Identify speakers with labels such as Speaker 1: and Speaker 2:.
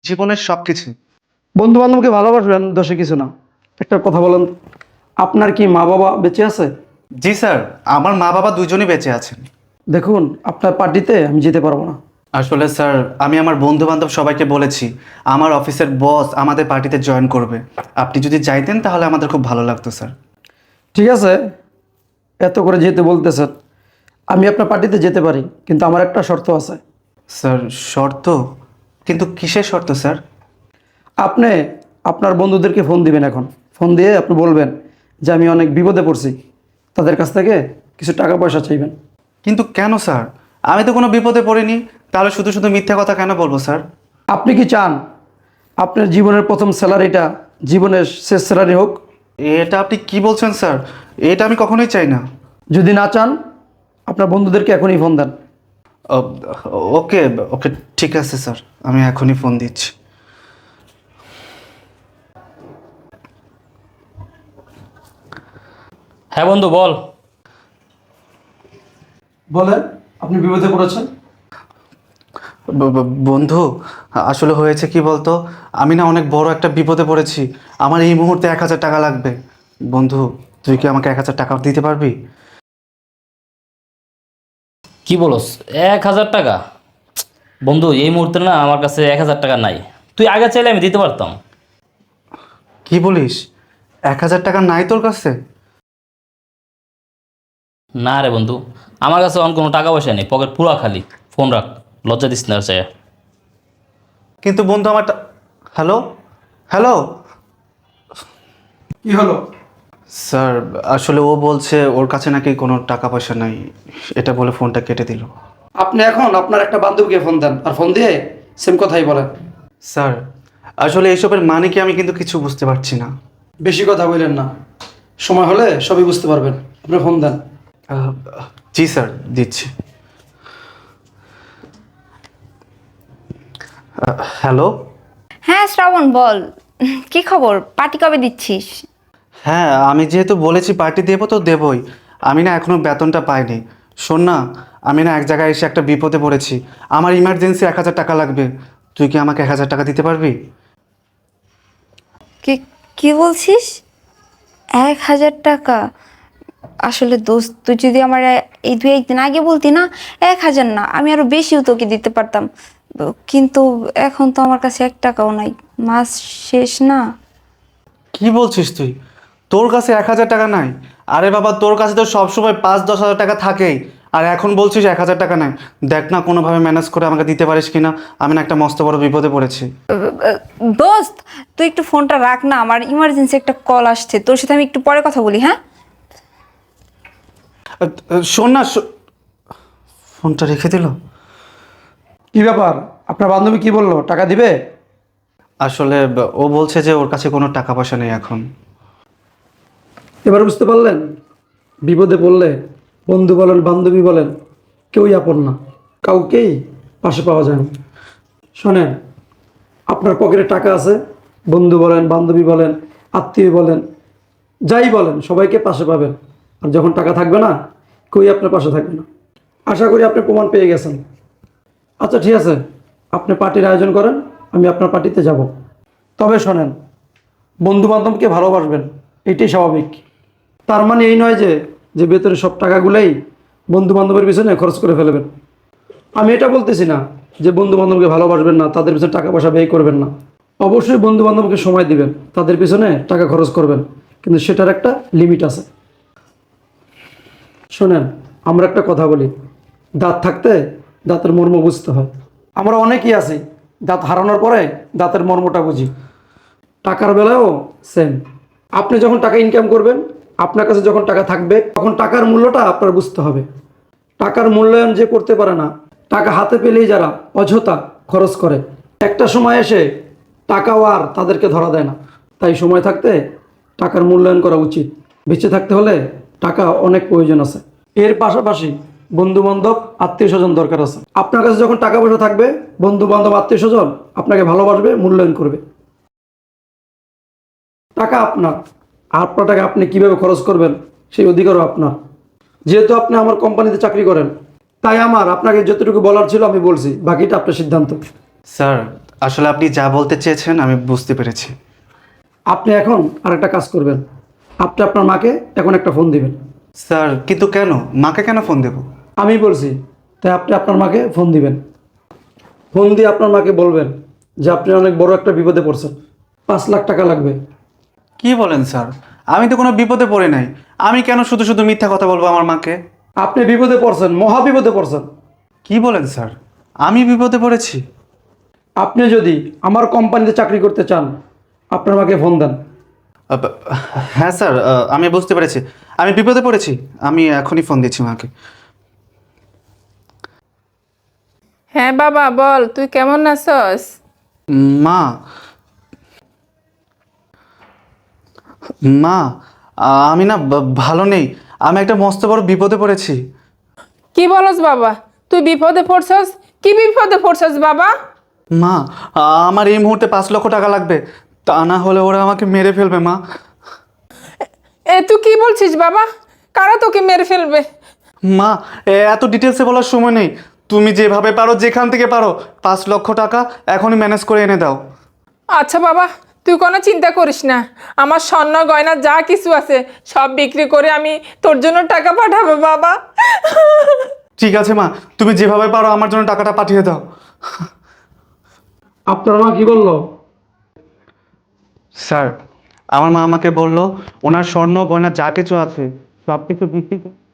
Speaker 1: জীবনের সবকিছু।
Speaker 2: বন্ধু বান্ধবকে ভালোবাসবেন, দোষে কিছু না। একটা কথা বলেন, আপনার কি মা বাবা বেঁচে আছে?
Speaker 1: জি স্যার, আমার মা বাবা দুজনই বেঁচে আছেন।
Speaker 2: দেখুন, আপনার পার্টিতে আমি যেতে পারবো না।
Speaker 1: আসলে স্যার, আমি আমার বন্ধু বান্ধব সবাইকে বলেছি আমার অফিসের বস আমাদের পার্টিতে জয়েন করবে। আপনি যদি চাইতেন তাহলে আমাদের খুব ভালো লাগতো স্যার।
Speaker 2: ঠিক আছে, এত করে যেতে বলতেছেন, আমি আপনার পার্টিতে যেতে পারি, কিন্তু আমার একটা শর্ত আছে।
Speaker 1: স্যার শর্ত? কিন্তু কিসের শর্ত স্যার?
Speaker 2: আপনি আপনার বন্ধুদেরকে ফোন দিবেন। এখন ফোন দিয়ে আপনি বলবেন যে আমি অনেক বিপদে পড়ছি, তাদের কাছ থেকে কিছু টাকা পয়সা চাইবেন।
Speaker 1: কিন্তু কেন স্যার? আমি তো কোনো বিপদে পড়িনি, তাহলে শুধু শুধু মিথ্যা কথা কেন বলবো স্যার?
Speaker 2: আপনি কি চান আপনার জীবনের প্রথম স্যালারিটা জীবনের শেষ স্যালারি হোক?
Speaker 1: এটা আপনি কি বলছেন স্যার? এটা আমি কখনোই চাই না।
Speaker 2: যদি না চান, আপনার বন্ধুদেরকে এখনই ফোন দেন।
Speaker 1: ও, ওকে ওকে, ঠিক আছে স্যার, আমি এখনই ফোন দিচ্ছি।
Speaker 3: হ্যাঁ বন্ধু বল।
Speaker 2: বলেন, আপনি বিপদে পড়েছেন।
Speaker 1: বন্ধু, আসলে হয়েছে কি বলতো, আমি না অনেক বড় একটা বিপদে পড়েছি। আমার এই মুহূর্তে 1,000 টাকা লাগবে। বন্ধু, তুই কি আমাকে 1,000 টাকা দিতে পারবি?
Speaker 3: কি বলস? 1,000 টাকা? বন্ধু এই মুহূর্তে না আমার কাছে 1,000 টাকা নাই। তুই আগে চাইলে আমি দিতে পারতাম।
Speaker 1: কি বলিস? 1,000 টাকা নাই তোর কাছে?
Speaker 3: না রে বন্ধু, আমার কাছে অন কোনো টাকা পয়সা নেই, পকেট পুরা খালি। ফোন রাখ, লজ্জা দিস না চাই।
Speaker 1: কিন্তু বন্ধু আমার হ্যালো হ্যালো
Speaker 2: কি হলো?
Speaker 1: স্যার, আসলে ও বলছে ওর কাছে নাকি কোনো টাকা পয়সা নাই, এটা বলে ফোনটা কেটে দিল।
Speaker 2: আপনি এখন আপনার একটা বান্ধবীকে ফোন দেন, আর ফোন দিয়ে সেম কথাই বলেন।
Speaker 1: স্যার, আসলে এইসবের মানে কি আমি কিন্তু কিছু বুঝতে পারছি না।
Speaker 2: বেশি কথা বললেন না, সময় হলে সবই বুঝতে পারবেন। আপনি ফোন দেন।
Speaker 1: আহ, জি স্যার, দিচ্ছি। হ্যালো।
Speaker 4: হ্যাঁ শ্রাবণ বল, কি খবর? পার্টি কবে দিচ্ছিস?
Speaker 1: হ্যাঁ, আমি যেহেতু বলেছি পার্টি দেবো তো দেবই। আমি না এখনও বেতনটা পাইনি। শোন না, আমি না এক জায়গায় এসে একটা বিপদে পড়েছি। আমার ইমার্জেন্সি 1,000 টাকা লাগবে। তুই কি আমাকে 1,000 টাকা দিতে পারবি?
Speaker 4: কি কি বলছিস? 1,000 টাকা? আসলে দোস্ত, তুই যদি আমার এই 2-1 দিন আগে বলতি না, 1,000 না, আমি আরো বেশিও তোকে দিতে পারতাম। কিন্তু এখন তো আমার কাছে 1 টাকাও নাই, মাস শেষ না।
Speaker 1: কি বলছিস তুই? তোর কাছে 1,000 টাকা নাই? আরে বাবা, তোর কাছে তো সবসময় 5-10 হাজার টাকা থাকেই, আর এখন বলছিস 1,000 টাকা নাই? দেখ না কোনোভাবে ম্যানেজ করে আমাকে দিতে পারিস কিনা। আমি না একটা মস্ত বড় বিপদে পড়েছি।
Speaker 4: দোস্ত, তুই একটু ফোনটা রাখ না, আমার ইমার্জেন্সি একটা কল আসছে, তোর সাথে আমি একটু পরে কথা বলি, হ্যাঁ?
Speaker 1: শোন না, ফোনটা রেখে দিল।
Speaker 2: কি ব্যাপার? আপনার বান্ধবী কি বললো, টাকা দিবে?
Speaker 1: আসলে ও বলছে যে ওর কাছে কোনো টাকা পয়সা নেই এখন।
Speaker 2: এবার বুঝতে পারলেন, বিপদে পড়লে বন্ধু বলেন বান্ধবী বলেন কেউই আপন না, কাউকেই পাশে পাওয়া যায় না। শোনেন, আপনার পকেটে টাকা আছে, বন্ধু বলেন বান্ধবী বলেন আত্মীয় বলেন যাই বলেন সবাইকে পাশে পাবেন। আর যখন টাকা থাকবে না, কেউই আপনার পাশে থাকবে না। আশা করি আপনি প্রমাণ পেয়ে গেছেন। আচ্ছা ঠিক আছে, আপনি পার্টির আয়োজন করেন, আমি আপনার পার্টিতে যাব। তবে শোনেন, বন্ধু বান্ধবকে ভালোবাসবেন, এটাই স্বাভাবিক। তার মানে এই নয় যে যে বেতনের সব টাকাগুলোই বন্ধু বান্ধবের পিছনে খরচ করে ফেলবেন। আমি এটা বলতেছি না যে বন্ধু বান্ধবকে ভালোবাসবেন না, তাদের পিছনে টাকা পয়সা ব্যয় করবেন না। অবশ্যই বন্ধু বান্ধবকে সময় দিবেন, তাদের পিছনে টাকা খরচ করবেন, কিন্তু সেটার একটা লিমিট আছে। শোনেন, আমরা একটা কথা বলি, দাঁত থাকতে দাঁতের মর্ম বুঝতে হয়। আমরা অনেকেই আছি দাঁত হারানোর পরে দাঁতের মর্মটা বুঝি। টাকার বেলায়ও সেম। আপনি যখন টাকা ইনকাম করবেন, আপনার কাছে যখন টাকা থাকবে, তখন টাকার মূল্যটা আপনার বুঝতে হবে। টাকার মূল্যায়ন যে করতে পারে না, টাকা হাতে পেলেই যারা অযথা খরচ করে, একটা সময় এসে টাকাও আর তাদেরকে ধরা দেয় না। তাই সময় থাকতে টাকার মূল্যায়ন করা উচিত। বেঁচে থাকতে হলে টাকা অনেক প্রয়োজন আছে, এর পাশাপাশি বন্ধু বান্ধব আত্মীয় স্বজন দরকার আছে। আপনার কাছে যখন টাকা পয়সা থাকবে, বন্ধু বান্ধব আত্মীয় স্বজন আপনাকে ভালোবাসবে, মূল্যায়ন করবে। টাকা আপনার, আপনার টাকা আপনি কিভাবে খরচ করবেন সেই অধিকারও আপনার। যেহেতু আপনি আমার কোম্পানিতে চাকরি করেন, তাই আমার আপনাকে যতটুকু বলার ছিল আমি বলছি, বাকিটা আপনার সিদ্ধান্ত।
Speaker 1: স্যার, আসলে আপনি যা বলতে চেয়েছেন আমি বুঝতে পেরেছি।
Speaker 2: আপনি এখন আরেকটা কাজ করবেন, আপনি আপনার মাকে এখন একটা ফোন দিবেন।
Speaker 1: স্যার কিন্তু কেন, মাকে কেন ফোন দেব?
Speaker 2: আমি বলছি তাই আপনি আপনার মাকে ফোন দিবেন। ফোন দিয়ে আপনার মাকে বলবেন যে আপনি অনেক বড় একটা বিপদে পড়ছেন, 5 লাখ টাকা লাগবে।
Speaker 1: কি বলেন স্যার? আমি তো কোনো বিপদে পড়ে নাই। আমি কেন শুধু শুধু মিথ্যা কথা বলবো আমার মাকে?
Speaker 2: আপনি বিপদে পড়ছেন, মহা বিপদে পড়ছেন।
Speaker 1: কি বলেন স্যার? আমি বিপদে পড়েছি?
Speaker 2: আপনি যদি আমার কোম্পানিতে চাকরি করতে চান আপনার মাকে ফোন দেন।
Speaker 1: আব- হ্যাঁ স্যার, আমি বুঝতে পেরেছি, আমি বিপদে পড়েছি। আমি এখনই ফোন দিচ্ছি মাকে।
Speaker 5: হ্যাঁ বাবা বল, তুই কেমন আছস?
Speaker 1: মা, মা, আমি না ভালো নেই। আমি একটা মস্ত বড় বিপদে পড়েছি।
Speaker 5: কি বলস বাবা, তুই বিপদে পড়ছস? কি বিপদে পড়ছস বাবা?
Speaker 1: মা, আমার এই মুহূর্তে 5 লক্ষ টাকা লাগবে, তা না হলে ওরা আমাকে মেরে ফেলবে মা।
Speaker 5: তুই কি বলছিস বাবা? কারা তোকে মেরে ফেলবে?
Speaker 1: মা, এত ডিটেলসে বলার সময় নেই। তুমি যেভাবে পারো, যেখান থেকে পারো, 5 লক্ষ টাকা এখনই ম্যানেজ করে এনে দাও।
Speaker 5: আচ্ছা বাবা, তুই কোনো চিন্তা করিস না। আমার স্বর্ণ গয়না যা কিছু আছে সব বিক্রি করে আমি তোর জন্য টাকা পাঠাবো বাবা।
Speaker 1: ঠিক আছে মা, তুমি যেভাবে পারো আমার জন্য টাকাটা পাঠিয়ে দাও।
Speaker 2: আপনার মা কি বললো?
Speaker 1: স্যার, আমার মা আমাকে বললো ওনার স্বর্ণ গয়না যা কিছু আছে সব কিছু বিক্রি করে